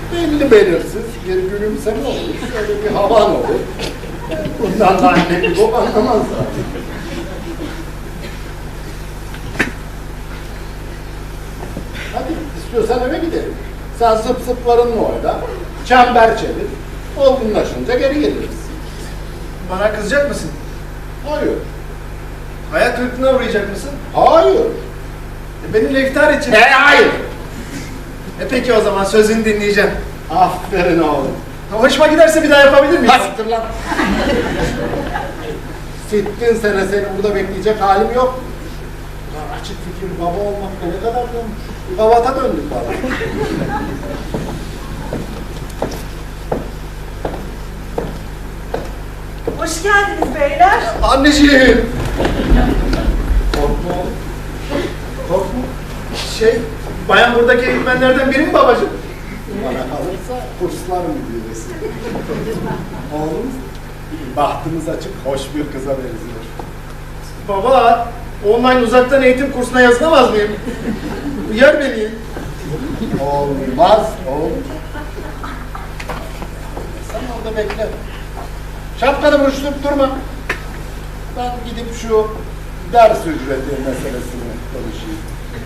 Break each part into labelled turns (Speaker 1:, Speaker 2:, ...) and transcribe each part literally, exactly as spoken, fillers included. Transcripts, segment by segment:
Speaker 1: belli belirsiz bir gülümseme olur, şöyle bir havan olur. Bundan da anne bir bok anlamaz zaten. Hadi istiyorsan eve gidelim. Sen zıp zıplarınla oyna, çember çevir, olgunlaşınca geri geliriz.
Speaker 2: Bana kızacak mısın?
Speaker 1: Hayır.
Speaker 2: Hayal kırıklığına uğrayacak mısın?
Speaker 1: Hayır.
Speaker 2: E, benimle iftar için.
Speaker 1: E hayır.
Speaker 2: E peki o zaman sözünü dinleyeceğim.
Speaker 1: Aferin oğlum.
Speaker 2: Hoşuma giderse bir daha yapabilir miyiz?
Speaker 1: Hasittir lan. Sittin sene seni burada bekleyecek halim yok. Ya açık fikir baba olmak ne kadar dönmüş. Babata döndük bana.
Speaker 3: Hoş geldiniz beyler.
Speaker 1: Anneciğim. Korkma oğlum. Korkma.
Speaker 2: Şey, bayan buradaki eğitmenlerden biri mi babacığım?
Speaker 1: Bana kalırsa kurslar müdüresi. Oğlum, bahtımız açık, hoş bir kıza benziyor.
Speaker 2: Baba, online uzaktan eğitim kursuna yazılamaz mıyım? Uyar beni.
Speaker 1: Olmaz oğlum. Sen orada bekle. Şapkanı buruşturup durma. Ben gidip şu ders ücreti meselesini konuşayım.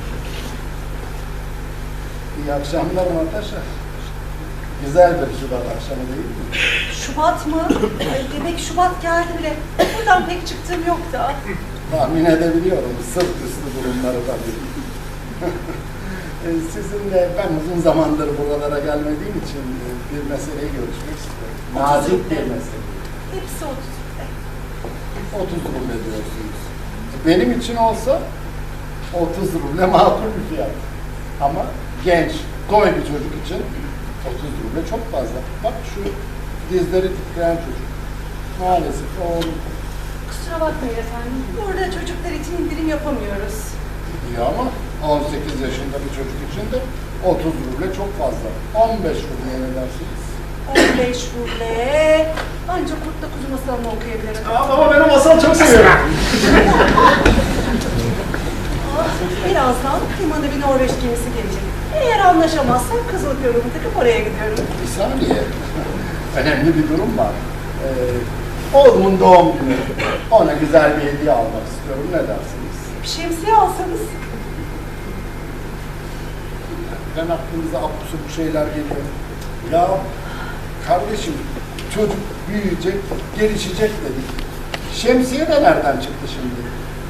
Speaker 1: İyi akşamlar Natasha. Güzel bir Şubat akşamı değil mi?
Speaker 3: Şubat mı? Ay, demek Şubat geldi bile. Buradan pek çıktığım yok da.
Speaker 1: Tahmin edebiliyorum. Sırt üstü durumları tabii. E, Sizinle ben uzun zamandır buralara gelmediğim için e, bir meseleyi görüşmek istiyorum. Nazik bir mesele.
Speaker 3: Hepsi otuz.
Speaker 1: otuz ruble diyorsunuz. Benim için olsa otuz ruble makul bir fiyat. Ama genç, toy bir çocuk için otuz ruble çok fazla. Bak şu dizleri titreyen çocuk. Maalesef oğlum.
Speaker 3: Kusura bakmayın efendim. Burada çocuklar için indirim yapamıyoruz.
Speaker 1: İyi ama on sekiz yaşında bir çocuk için de otuz ruble çok fazla. on beş ruble ne dersiniz?
Speaker 3: on beş ruble. Ancak Kurtla Kuzu masalını okuyabilirim.
Speaker 2: Aa, baba ben o masalı çok seviyorum.
Speaker 3: Birazdan limana bir Norveç gemisi gelecek. Eğer anlaşamazsak kızılık yolumu takıp oraya gidiyorum.
Speaker 1: Bir saniye. Önemli bir durum var. Ee, oğlumun doğum günü. Ona güzel bir hediye almak istiyorum. Ne dersiniz?
Speaker 3: Bir şemsiye alsanız.
Speaker 1: Ben aklınıza absürt şeyler geliyor. Ya kardeşim çocuk büyüyecek, gelişecek dedik. Şemsiye de nereden çıktı şimdi?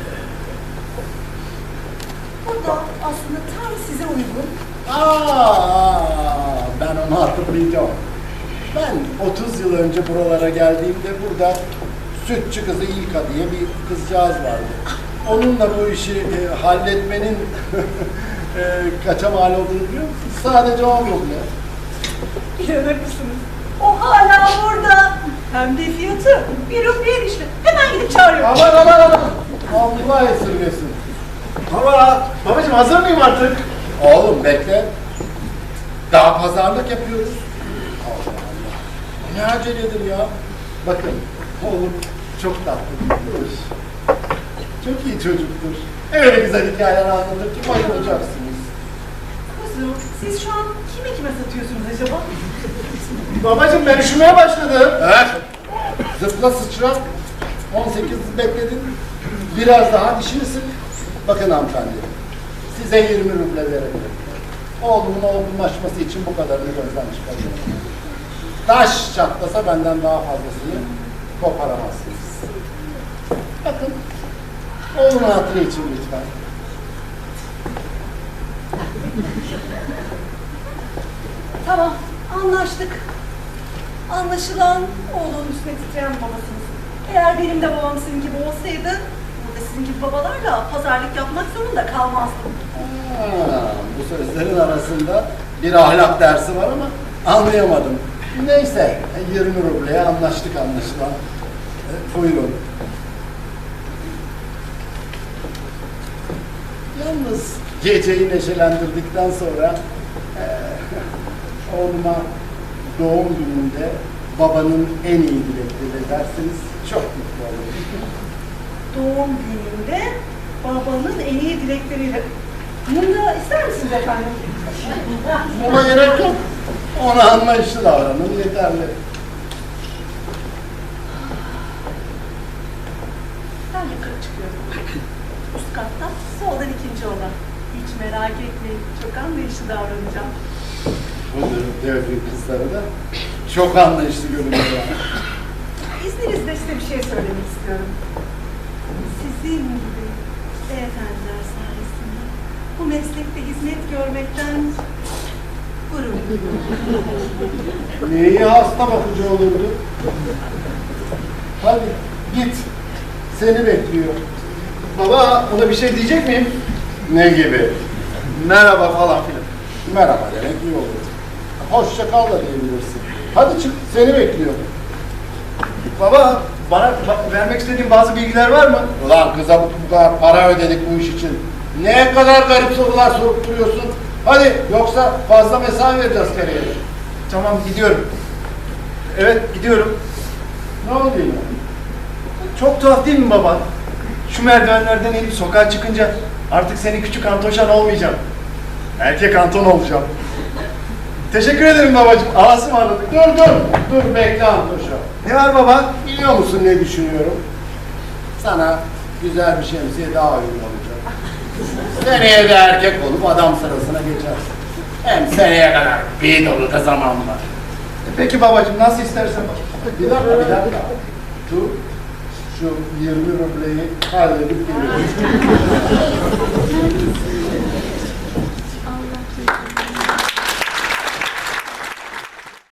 Speaker 3: Bu da aslında tam size uygun.
Speaker 1: Aa, ben onu hatırlayacağım. Ben otuz yıl önce buralara geldiğimde burada sütçü kızı İlka diye bir kızcağız vardı. Onunla bu işi e, halletmenin e, kaça mal olduğunu biliyor musun? Sadece on ruble.
Speaker 3: İnanır mısınız? O hala burada. Hem de fiyatı bir rubleye düştü. Hemen gidip çağırıyorum.
Speaker 1: Aman aman aman! Allah esirgesin.
Speaker 2: Baba, babacığım hazır mıyım artık?
Speaker 1: Oğlum bekle. Daha pazarlık yapıyoruz. Allah Allah. Ne aceledir ya. Bakın oğlum çok tatlıdır. Çok iyi çocuktur. Öyle güzel hikayeler anlatır ki bayılacaksınız.
Speaker 3: Kuzum, siz şu an kime kime satıyorsunuz acaba?
Speaker 2: Babacığım ben üşümeye başladım.
Speaker 1: Evet. Zıpla sıçra. on sekiz bekledin. Biraz daha dişini sık. Bakın hanımefendi. Size yirmi ruble verebilirim. Oğlumun olgunlaşması için bu kadarını gözden çıkarıyorum. Taş çatlasa benden daha fazlasını koparamazsınız. Bakın. Oğlumun hatırı için lütfen.
Speaker 3: Tamam, anlaştık. Anlaşılan oğlunun üstüne titreyen babasınız. Eğer benim de babam sizin gibi olsaydı, burada sizin gibi babalarla pazarlık yapmak zorunda kalmazdım.
Speaker 1: Ha, bu sözlerin arasında bir ahlak dersi var ama anlayamadım. Neyse, yirmi rubleye anlaştık anlaşılan. E, buyurun. Yalnız geceyi neşelendirdikten sonra e, oğluma doğum gününde babanın en iyi dilekleri derseniz çok mutlu olurum.
Speaker 3: Doğum gününde babanın en iyi dilekleriyle. Bunu da ister misiniz efendim?
Speaker 1: Buna gerek yok. Ona anlayışlı davranın yeterli.
Speaker 3: Ben yukarı çıkıyorum. Üst katta soldan ikinci oda. Hiç merak etmeyin. Çok anlayışlı davranacağım.
Speaker 1: Bu devrin kızları da çok anlayışlı görünüyor.
Speaker 3: İzninizle size bir şey söylemek istiyorum. Sizin gibi beyefendiler sayesinde bu meslekte hizmet görmekten gurur duyuyorum.
Speaker 1: Neyi hasta bakıcı olurdu? Hadi git. Seni bekliyor.
Speaker 2: Baba, ona bir şey diyecek miyim?
Speaker 1: Ne gibi?
Speaker 2: Merhaba falan filan.
Speaker 1: Merhaba demek iyi olur. Hoşça kal da diyebilirsin. Hadi çık, seni bekliyor.
Speaker 2: Baba, bana ba- vermek istediğin bazı bilgiler var mı?
Speaker 1: Ulan kıza bu kadar para ödedik bu iş için. Ne kadar garip sorular sorup duruyorsun. Hadi yoksa fazla mesai vereceğiz kariyere.
Speaker 2: Tamam, gidiyorum. Evet, gidiyorum.
Speaker 1: Ne oldu yine?
Speaker 2: Çok tuhaf değil mi baba? Şu merdivenlerden inip sokağa çıkınca artık senin küçük Antoşan olmayacağım. Erkek Anton olacağım. Teşekkür ederim babacığım. Allah'a ısmarladık.
Speaker 1: Dur dur, dur bekle Antoşa.
Speaker 2: Ne var baba?
Speaker 1: Biliyor musun ne düşünüyorum? Sana güzel bir şemsiye daha uygun olacak. Seneye de erkek olup adam sırasına geçersin. Hem seneye kadar bir dolu da zaman var.
Speaker 2: Peki babacığım, nasıl istersen.
Speaker 1: Bir dakika, bir dakika. Şu, şu yirmi rubleyi halledip geliyorum.